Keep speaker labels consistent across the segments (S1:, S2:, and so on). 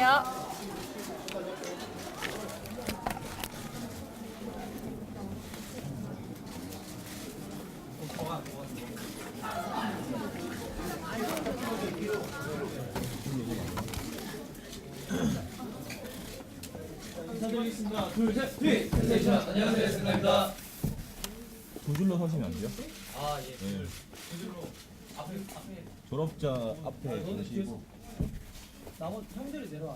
S1: 안녕하세요.
S2: 인사드리겠습니다. 둘, 셋, 뒤! 센세이션, 안녕하세요, 센나입니다.
S3: 두 줄로 서시면 안 돼요?
S2: 아, 예.
S3: 네.
S2: 두 줄로. 앞에.
S3: 졸업자 앞에 계시고.
S2: 나머지 형들이 내려와.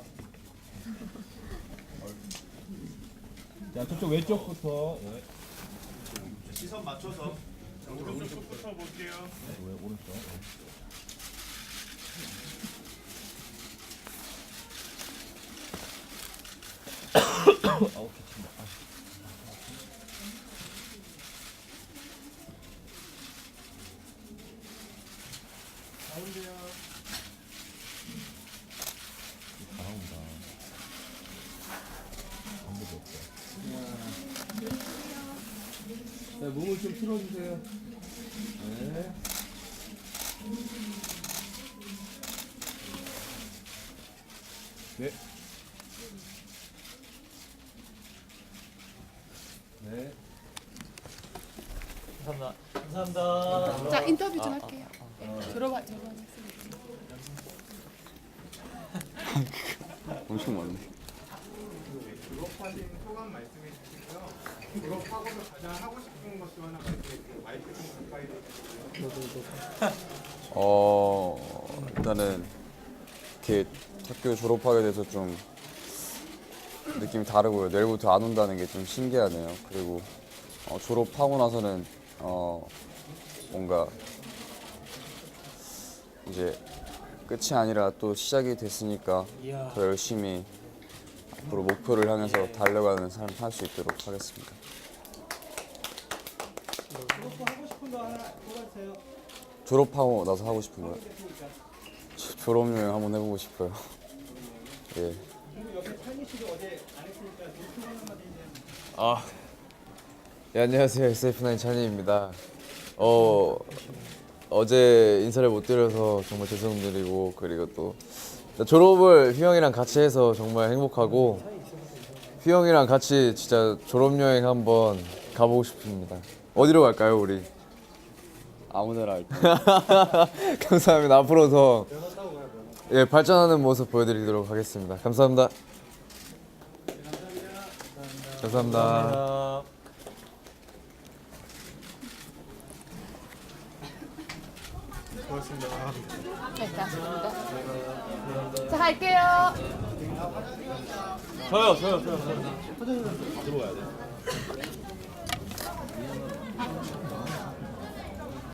S3: 자, 저쪽 왼쪽부터. 예.
S4: 시선 맞춰서 오른쪽부터 볼게요.
S3: 왜 오른쪽? 아우 기친다.
S4: 가운데요.
S3: 잘한다. 아무도 없어.
S2: 자, 몸을 좀 틀어주세요. 네.
S3: 네.
S2: 네. 감사합니다.
S1: 자, 인터뷰 좀 할게요. 졸업한 학생.
S5: 엄청 많네.
S4: 졸업하신 소감 말씀해 주시고요. 졸업하고서 가장 하고 싶은 것도 하나 말씀해 주세요. 마이크 좀 가까이 대주세요.
S5: 일단은 이렇게 학교 졸업하게 돼서 좀 느낌이 다르고요. 내일부터 안 온다는 게 좀 신기하네요. 그리고 졸업하고 나서는 뭔가 이제 끝이 아니라 또 시작이 됐으니까 더 열심히 앞으로 목표를 향해서 달려가는 삶 살 수 있도록 하겠습니다.
S2: 하고 싶은 거 하나 뽑아주세요.
S5: 졸업하고 나서 하고 싶은 거요? 졸업여행 한번 해보고 싶어요. 예.
S2: 그리고 옆에 찬희 씨도 어제 안 했으니까 노트 하나만 해주세요.
S5: 네, 안녕하세요. SF9 찬이입니다. 어제 인사를 못 드려서 정말 죄송드리고, 그리고 또 졸업을 휘영이랑 같이 해서 정말 행복하고, 휘영이랑 같이 진짜 졸업여행 한번 가보고 싶습니다. 어디로 갈까요, 우리? 아무데나 할게요. 감사합니다. 앞으로 더 발전하는 모습 보여드리도록 하겠습니다. 감사합니다. 감사합니다.
S1: 네, 고맙습니다. 자, 갈게요.
S3: 저요. 들어가야 돼.